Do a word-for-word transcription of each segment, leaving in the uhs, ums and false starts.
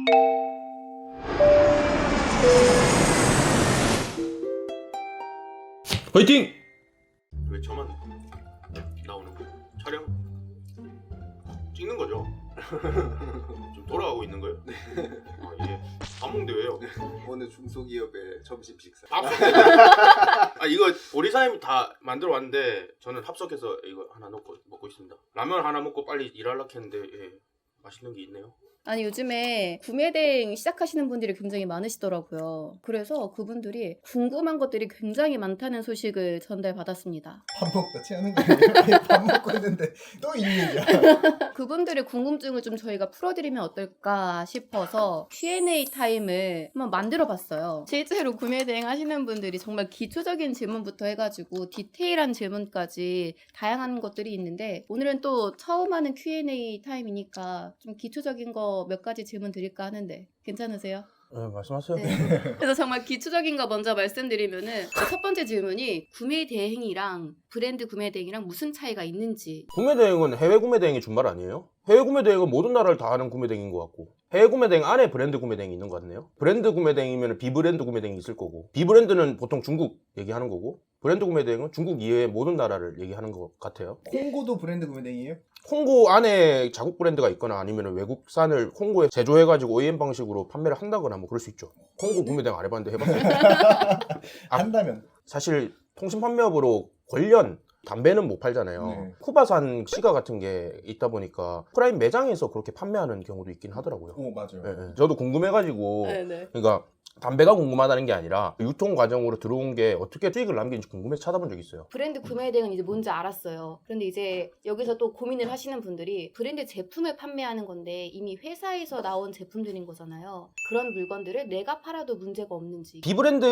화이팅! 왜 저만 나오는 거? 촬영 찍는 거죠? 좀 돌아가고 있는 거예요? 아, 이게 방송 대회요. 어느 중소기업의 점심 식사. 아 이거 보리사님 다 만들어 왔는데 저는 합석해서 이거 하나 넣고 먹고 있습니다. 라면 하나 먹고 빨리 일하려고 했는데 예, 맛있는 게 있네요. 아니 요즘에 구매대행 시작하시는 분들이 굉장히 많으시더라고요. 그래서 그분들이 궁금한 것들이 굉장히 많다는 소식을 전달받았습니다. 밥 먹다 취하는 거 아니에요? 밥 먹고 있는데 또 이 얘기야. 그분들의 궁금증을 좀 저희가 풀어드리면 어떨까 싶어서 큐 앤 에이 타임을 한번 만들어봤어요. 실제로 구매대행 하시는 분들이 정말 기초적인 질문부터 해가지고 디테일한 질문까지 다양한 것들이 있는데 오늘은 또 처음 하는 큐 앤 에이 타임이니까 좀 기초적인 거 몇 가지 질문 드릴까 하는데 괜찮으세요? 네, 말씀하세요. 네. 그래서 정말 기초적인 거 먼저 말씀드리면은 첫 번째 질문이 구매 대행이랑 브랜드 구매 대행이랑 무슨 차이가 있는지. 구매 대행은 해외 구매 대행이 준말 아니에요? 해외 구매 대행은 모든 나라를 다 하는 구매 대행인 것 같고 해외 구매 대행 안에 브랜드 구매 대행이 있는 것 같네요. 브랜드 구매 대행이면 비브랜드 구매 대행이 있을 거고 비브랜드는 보통 중국 얘기하는 거고 브랜드 구매 대행은 중국 이외의 모든 나라를 얘기하는 것 같아요. 콩고도 브랜드 구매대행이에요? 홍고 안에 자국 브랜드가 있거나 아니면 외국산을 홍고에 제조해가지고 오 이 엠 방식으로 판매를 한다거나 뭐 그럴 수 있죠. 홍고 구매 대행 안 해봤는데 해봤어요. 아, 한다면. 사실 통신 판매업으로 관련 담배는 못 팔잖아요. 네. 쿠바산 시가 같은 게 있다 보니까 프라임 매장에서 그렇게 판매하는 경우도 있긴 하더라고요. 오 맞아요. 예, 예. 저도 궁금해가지고 네네. 그러니까 담배가 궁금하다는 게 아니라 유통 과정으로 들어온 게 어떻게 수익을 남기는지 궁금해서 찾아본 적이 있어요. 브랜드 구매 대행은 이제 뭔지 알았어요. 그런데 이제 여기서 또 고민을 하시는 분들이 브랜드 제품을 판매하는 건데 이미 회사에서 나온 제품들인 거잖아요. 그런 물건들을 내가 팔아도 문제가 없는지.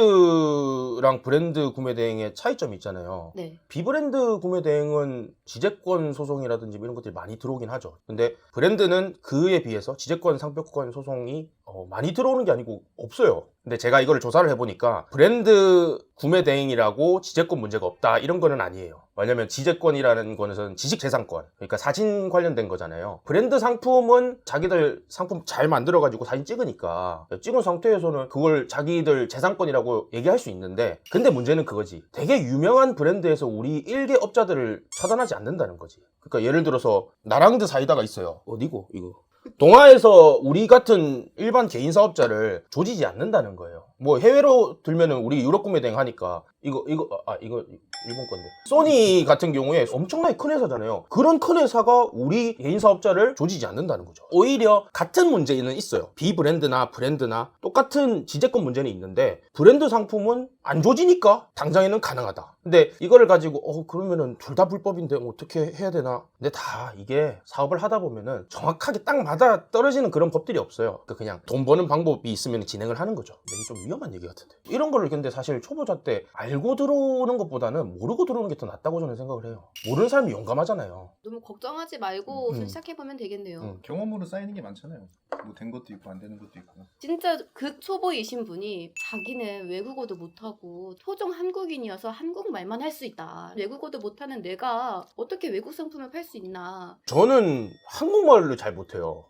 비브랜드랑 브랜드 구매 대행의 차이점이 있잖아요. 네. 비브랜드 구매 대행은 지재권 소송이라든지 이런 것들이 많이 들어오긴 하죠. 근데 브랜드는 그에 비해서 지재권, 상표권 소송이 어, 많이 들어오는 게 아니고 없어요. 근데 제가 이거를 조사를 해보니까 브랜드 구매 대행이라고 지재권 문제가 없다 이런 거는 아니에요. 왜냐면 지재권이라는 거는 지식재산권, 그러니까 사진 관련된 거잖아요. 브랜드 상품은 자기들 상품 잘 만들어가지고 사진 찍으니까 찍은 상태에서는 그걸 자기들 재산권이라고 얘기할 수 있는데 근데 문제는 그거지. 되게 유명한 브랜드에서 우리 일개 업자들을 차단하지 않는다는 거지. 그러니까 예를 들어서 나랑드 사이다가 있어요. 어디고 이거? 동아에서 우리 같은 일반 개인 사업자를 조지지 않는다는 거예요. 뭐 해외로 들면은 우리 유럽 구매 대행 하니까 이거 이거 아 이거 일본 건데 소니 같은 경우에 엄청나게 큰 회사잖아요. 그런 큰 회사가 우리 개인 사업자를 조지지 않는다는 거죠. 오히려 같은 문제는 있어요. 비브랜드나 브랜드나 똑같은 지재권 문제는 있는데 브랜드 상품은 안 조지니까 당장에는 가능하다. 근데 이거를 가지고 어 그러면은 둘 다 불법인데 어떻게 해야 되나? 근데 다 이게 사업을 하다 보면은 정확하게 딱 맞아 떨어지는 그런 법들이 없어요. 그러니까 그냥 돈 버는 방법이 있으면 진행을 하는 거죠. 근데 이게 좀 위험한 얘기 같은데 이런 거를 근데 사실 초보자 때 알고 들어오는 것보다는 모르고 들어오는 게 더 낫다고 저는 생각을 해요. 모르는 사람이 용감하잖아요. 너무 걱정하지 말고 음. 시작해보면 되겠네요. 음. 경험으로 쌓이는 게 많잖아요. 뭐 된 것도 있고 안 되는 것도 있고. 진짜 극초보이신 분이 자기는 외국어도 못하고 토종 한국인이어서 한국말만 할 수 있다. 외국어도 못하는 내가 어떻게 외국 상품을 팔 수 있나. 저는 한국말을 잘 못해요.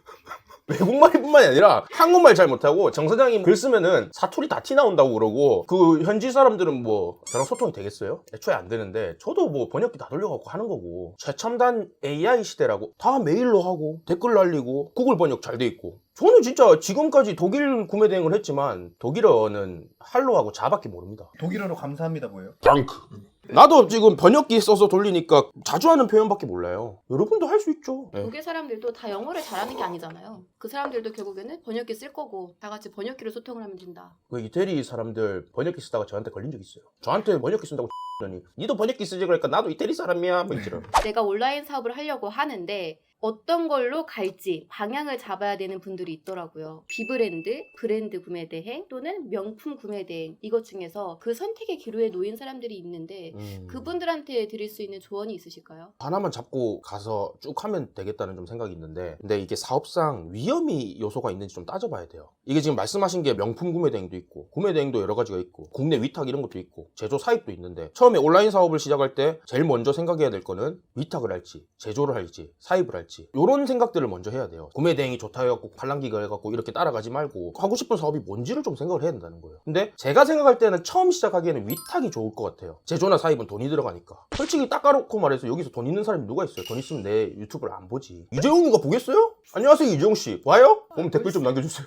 외국말뿐만이 아니라 한국말 잘 못하고 정 사장님 글 쓰면은 사투리 다 티 나온다고 그러고 그 현지 사람들은 뭐 저랑 소통이 되겠어요? 애초에 안 되는데 저도 뭐 번역기 다 돌려갖고 하는 거고 최첨단 에이 아이 시대라고 다 메일로 하고 댓글 날리고 구글 번역 잘 돼 있고 저는 진짜 지금까지 독일 구매 대행을 했지만 독일어는 할로하고 자밖에 모릅니다. 독일어로 감사합니다 뭐예요? 랑크. 나도 지금 번역기 써서 돌리니까 자주 하는 표현밖에 몰라요. 여러분도 할 수 있죠. 네. 독일 사람들도 다 영어를 잘하는 게 아니잖아요. 그 사람들도 결국에는 번역기 쓸 거고 다 같이 번역기로 소통을 하면 된다. 그 이태리 사람들 번역기 쓰다가 저한테 걸린 적 있어요. 저한테 번역기 쓴다고 X더니 니도 번역기 쓰지 그러니까 나도 이태리 사람이야 뭐 이처럼. 내가 온라인 사업을 하려고 하는데 어떤 걸로 갈지 방향을 잡아야 되는 분들이 있더라고요. 비브랜드, 브랜드 구매 대행 또는 명품 구매 대행 이것 중에서 그 선택의 기로에 놓인 사람들이 있는데 음. 그분들한테 드릴 수 있는 조언이 있으실까요? 하나만 잡고 가서 쭉 하면 되겠다는 좀 생각이 있는데 근데 이게 사업상 위험이 요소가 있는지 좀 따져봐야 돼요. 이게 지금 말씀하신 게 명품 구매 대행도 있고 구매 대행도 여러 가지가 있고 국내 위탁 이런 것도 있고 제조 사입도 있는데 처음에 온라인 사업을 시작할 때 제일 먼저 생각해야 될 거는 위탁을 할지 제조를 할지 사입을 할지 해야지. 이런 생각들을 먼저 해야 돼요. 구매 대행이 좋다 해갖고 팔랑기가 해갖고 이렇게 따라가지 말고 하고 싶은 사업이 뭔지를 좀 생각을 해야 된다는 거예요. 근데 제가 생각할 때는 처음 시작하기에는 위탁이 좋을 것 같아요. 제조나 사입은 돈이 들어가니까. 솔직히 딱 까놓고 말해서 여기서 돈 있는 사람이 누가 있어요? 돈 있으면 내 유튜브를 안 보지. 이재용이가 보겠어요? 안녕하세요, 이재용씨. 와요? 그럼 댓글 좀 남겨주세요.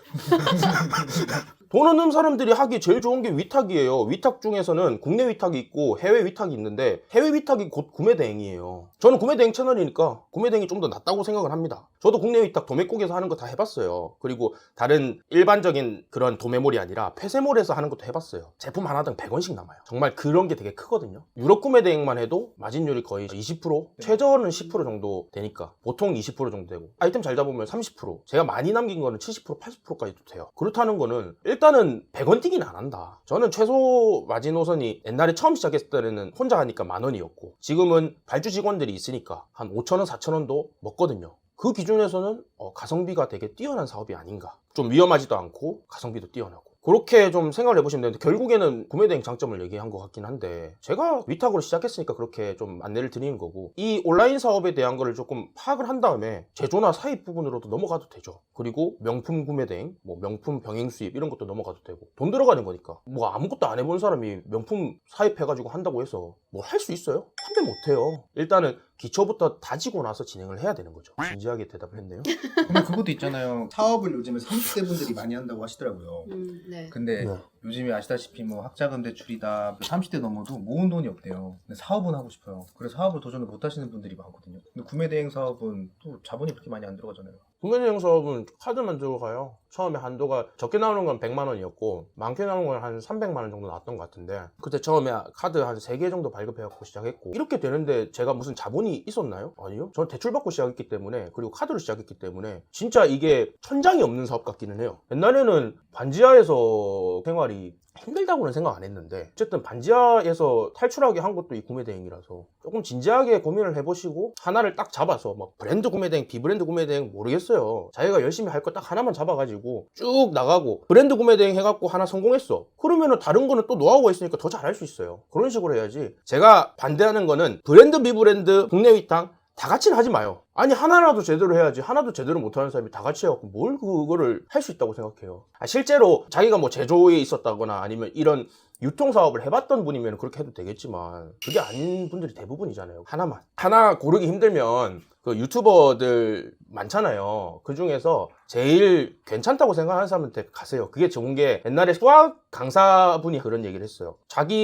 돈 없는 사람들이 하기 제일 좋은 게 위탁이에요. 위탁 중에서는 국내 위탁이 있고 해외 위탁이 있는데 해외 위탁이 곧 구매 대행이에요. 저는 구매 대행 채널이니까 구매 대행이 좀 더 낫다고 생각을 합니다. 저도 국내 위탁 도매국에서 하는 거 다 해봤어요. 그리고 다른 일반적인 그런 도매몰이 아니라 폐쇄몰에서 하는 것도 해봤어요. 제품 하나당 백 원씩 남아요. 정말 그런 게 되게 크거든요. 유럽 구매 대행만 해도 마진율이 거의 이십 퍼센트, 최저는 십 퍼센트 정도 되니까 보통 이십 퍼센트 정도 되고 아이템 잘 잡으면 삼십 퍼센트, 제가 많이 남긴 거는 칠십 퍼센트, 팔십 퍼센트까지도 돼요. 그렇다는 거는 일단은 백 원 뛰기는 안 한다. 저는 최소 마지노선이 옛날에 처음 시작했을 때는 혼자 하니까 만 원이었고 지금은 발주 직원들이 있으니까 한 오천 원, 사천 원도 먹거든요. 그 기준에서는 어, 가성비가 되게 뛰어난 사업이 아닌가. 좀 위험하지도 않고 가성비도 뛰어나고. 그렇게 좀 생각을 해보시면 되는데 결국에는 구매대행 장점을 얘기한 것 같긴 한데 제가 위탁으로 시작했으니까 그렇게 좀 안내를 드리는 거고 이 온라인 사업에 대한 거를 조금 파악을 한 다음에 제조나 사입 부분으로도 넘어가도 되죠. 그리고 명품 구매대행, 뭐 명품 병행 수입 이런 것도 넘어가도 되고 돈 들어가는 거니까 뭐 아무것도 안 해본 사람이 명품 사입해가지고 한다고 해서 뭐 할 수 있어요? 한 배 못해요. 일단은 기초부터 다지고 나서 진행을 해야 되는 거죠. 진지하게 대답을 했네요. 근데 그것도 있잖아요. 사업을 요즘에 삼십 대 분들이 많이 한다고 하시더라고요. 음, 네. 근데 네. 요즘에 아시다시피 뭐 학자금 대출이다 삼십 대 넘어도 모은 돈이 없대요. 근데 사업은 하고 싶어요. 그래서 사업을 도전을 못 하시는 분들이 많거든요. 근데 구매대행 사업은 또 자본이 그렇게 많이 안 들어가잖아요. 구매대행 사업은 카드만 들어가요. 처음에 한도가 적게 나오는 건 백만 원이었고 많게 나오는 건 한 삼백만 원 정도 나왔던 것 같은데 그때 처음에 카드 한 세 개 정도 발급해갖고 시작했고 이렇게 되는데 제가 무슨 자본이 있었나요? 아니요. 저는 대출받고 시작했기 때문에 그리고 카드로 시작했기 때문에 진짜 이게 천장이 없는 사업 같기는 해요. 옛날에는 반지하에서 생활이 힘들다고는 생각 안 했는데 어쨌든 반지하에서 탈출하게 한 것도 이 구매대행이라서 조금 진지하게 고민을 해보시고 하나를 딱 잡아서 막 브랜드 구매대행, 비브랜드 구매대행 모르겠어요. 자기가 열심히 할 거 딱 하나만 잡아가지고 쭉 나가고 브랜드 구매대행 해갖고 하나 성공했어. 그러면은 다른 거는 또 노하우가 있으니까 더 잘할 수 있어요. 그런 식으로 해야지. 제가 반대하는 거는 브랜드, 비브랜드, 국내 위탁 다 같이는 하지 마요. 아니 하나라도 제대로 해야지. 하나도 제대로 못하는 사람이 다 같이 해갖고 뭘 그거를 할 수 있다고 생각해요. 아, 실제로 자기가 뭐 제조에 있었다거나 아니면 이런 유통사업을 해봤던 분이면 그렇게 해도 되겠지만 그게 아닌 분들이 대부분이잖아요. 하나만 하나 고르기 힘들면 그 유튜버들 많잖아요. 그 중에서 제일 괜찮다고 생각하는 사람한테 가세요. 그게 좋은 게 옛날에 수학 강사분이 그런 얘기를 했어요.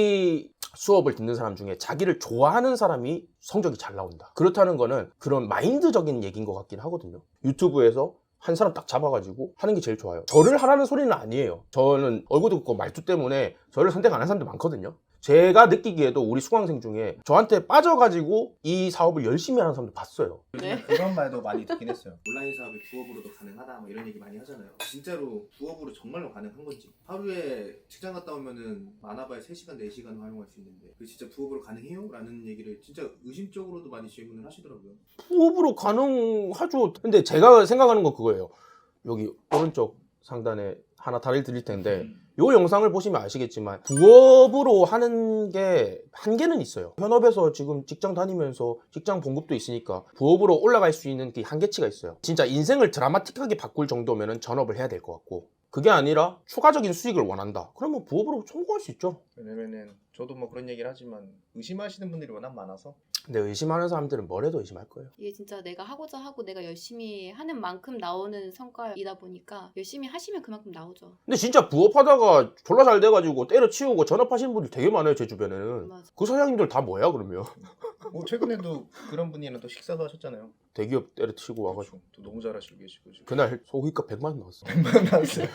자기 수업을 듣는 사람 중에 자기를 좋아하는 사람이 성적이 잘 나온다. 그렇다는 거는 그런 마인드적인 얘기인 것 같긴 하거든요. 유튜브에서 한 사람 딱 잡아가지고 하는 게 제일 좋아요. 저를 하라는 소리는 아니에요. 저는 얼굴도 그렇고 말투 때문에 저를 선택 안 하는 사람들 많거든요. 제가 느끼기에도 우리 수강생 중에 저한테 빠져가지고 이 사업을 열심히 하는 사람들 봤어요. 네. 그런 말도 많이 듣긴 했어요. 온라인 사업이 부업으로도 가능하다 뭐 이런 얘기 많이 하잖아요. 진짜로 부업으로 정말로 가능한 건지. 하루에 직장 갔다 오면은 많아봐야 세 시간, 네 시간 활용할 수 있는데 그 진짜 부업으로 가능해요? 라는 얘기를 진짜 의심적으로도 많이 질문을 하시더라고요. 부업으로 가능하죠. 근데 제가 생각하는 건 그거예요. 여기 오른쪽 상단에 하나 다리를 드릴 텐데 이 영상을 보시면 아시겠지만 부업으로 하는 게 한계는 있어요. 현업에서 지금 직장 다니면서 직장 봉급도 있으니까 부업으로 올라갈 수 있는 그 한계치가 있어요. 진짜 인생을 드라마틱하게 바꿀 정도면 전업을 해야 될 것 같고 그게 아니라 추가적인 수익을 원한다. 그러면 부업으로 성공할 수 있죠. 왜냐면은 저도 뭐 그런 얘기를 하지만 의심하시는 분들이 워낙 많아서 근데 의심하는 사람들은 뭘 해도 의심할 거예요. 이게 진짜 내가 하고자 하고 내가 열심히 하는 만큼 나오는 성과이다 보니까 열심히 하시면 그만큼 나오죠. 근데 진짜 부업하다가 졸라 잘 돼가지고 때려치우고 전업하시는 분들 되게 많아요. 제 주변에는. 맞아. 그 사장님들 다 뭐야 그러면. 뭐 최근에도 그런 분이랑 또 식사도 하셨잖아요. 대기업 때려치우고 와가지고 또 너무 잘하시고 계시고 지금. 그날 소고기값 백만 원 나왔어. 나왔어요.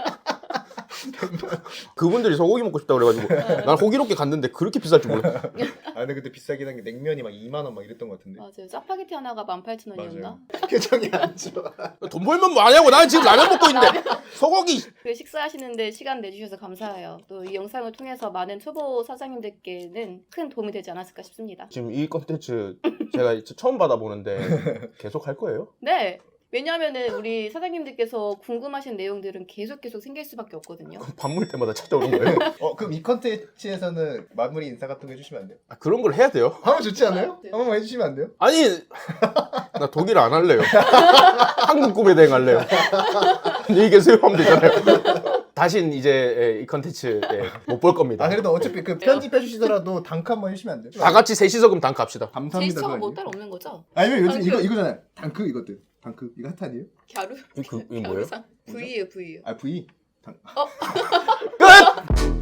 그분들이 소고기 먹고 싶다고 그래가지고 난 호기롭게 갔는데 그렇게 비쌀 줄 몰라. 아 근데 그때 비싸긴 한 게 냉면이 막 이만 원 막 이랬던 것 같은데. 맞아요. 짜파게티 하나가 만 팔천 원이었나? 맞아요. 표정이 안 좋아. 돈 벌면 뭐하냐고. 나는 지금 라면 먹고 있는데 소고기. 그 식사하시는데 시간 내주셔서 감사해요. 또 이 영상을 통해서 많은 초보 사장님들께는 큰 도움이 되지 않았을까 싶습니다. 지금 이 컨텐츠 제가 처음 받아보는데 계속 할 거예요? 네. 왜냐하면은 우리 사장님들께서 궁금하신 내용들은 계속 계속 생길 수밖에 없거든요. 밥 먹을 때마다 찾아오는 거예요. 어 그럼 이 컨텐츠에서는 마무리 인사 같은 거 해주시면 안 돼요? 아, 그런 걸 해야 돼요? 하면 좋지 않아요? 네. 한 번만 해주시면 안 돼요? 아니 나 독일 안 할래요. 한국 구매 대행 할래요. 안녕히 계세요 하면 되잖아요. 다신 이제 이 컨텐츠 못 볼 겁니다. 아 그래도 어차피 그 편집해 주시더라도 단크 한번 해주시면 안 돼요? 다 같이 셋이서 그럼 단크 합시다. 감사합니다. 제스처가 그거 뭐 아니에요? 따로 없는 거죠? 아니면 요즘 단크. 이거 이거잖아요. 단크 이것들. 단크 이거 핫 아니에요? 갸루? 이, 그, 이 뭐예요? 갸루상? V예요 V. 아 V. 단... 끝!